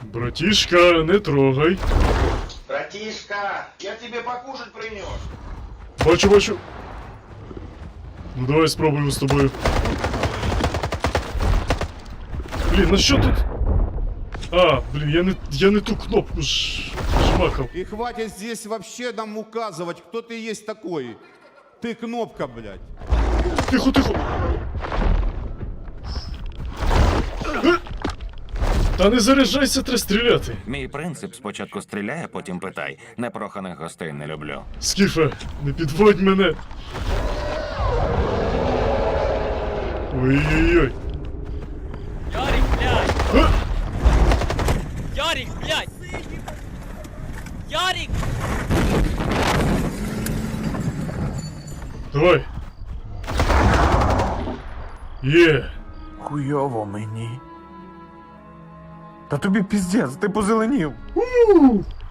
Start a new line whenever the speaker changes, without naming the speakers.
Братишка, не трогай.
Братишка, я тебе покушать принес.
Бачу, бачу. Ну давай спробуємо з тобою. Блін, на що тут? А, блін, я не ту кнопку жмакав.
И хватит здесь вообще нам указывать, кто ты есть такой. Ты кнопка, блядь.
Тихо, тихо. Та не заряджайся, треба стріляти.
Мій принцип спочатку стріляй, а потім питай. Непроханих гостей не люблю.
Скіфе, не підводь мене. Ой-ой-ой.
Ярик, блядь!
А!
Ярик, блядь! Ярик!
Давай. Є.
Хуйово мені. Та тобі піздець, ти позеленів.